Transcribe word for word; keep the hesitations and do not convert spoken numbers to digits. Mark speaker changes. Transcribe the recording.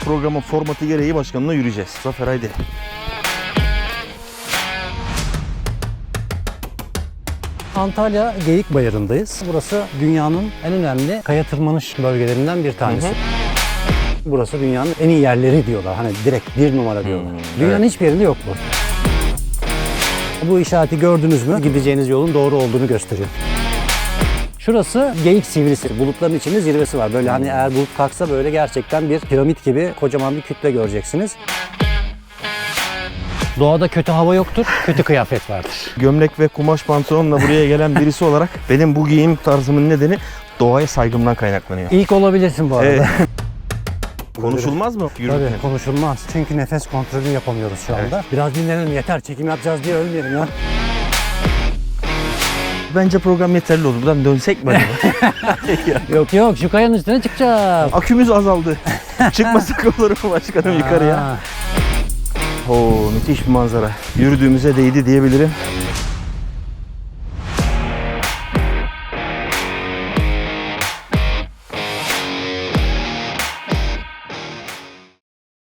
Speaker 1: programın formatı gereği başkanına yürüyeceğiz. Zafer haydi.
Speaker 2: Antalya Geyikbayırı'ndayız. Burası dünyanın en önemli kaya tırmanış bölgelerinden bir tanesi. Hı hı. Burası dünyanın en iyi yerleri diyorlar. Hani direkt bir numara diyorlar. Hmm, dünyanın evet. hiçbir yerinde yok bu. Bu işareti gördünüz mü? Gideceğiniz yolun doğru olduğunu gösteriyor. Şurası Geyik Sivrisi. Bulutların içinde zirvesi var. Böyle hani eğer bulut kalksa böyle gerçekten bir piramit gibi kocaman bir kütle göreceksiniz. Doğada kötü hava yoktur, kötü kıyafet vardır.
Speaker 1: Gömlek ve kumaş pantolonla buraya gelen birisi olarak benim bu giyim tarzımın nedeni doğaya saygımdan kaynaklanıyor.
Speaker 2: İlk olabilirsin bu arada. Evet.
Speaker 1: Konuşulmaz mı?
Speaker 2: Tabii konuşulmaz. Çünkü nefes kontrolü yapamıyoruz şu anda. Evet. Biraz dinlenelim yeter. Çekim yapacağız diye ölmeyelim ya.
Speaker 1: Bence program yeterli olur. Buradan dönsek mi acaba?
Speaker 2: Yok yok şu kayanın üstüne çıkacağız.
Speaker 1: Akümüz azaldı. Çıkmasak olur mu başkanım yukarıya? Oo, müthiş bir manzara. Yürüdüğümüze değdi diyebilirim.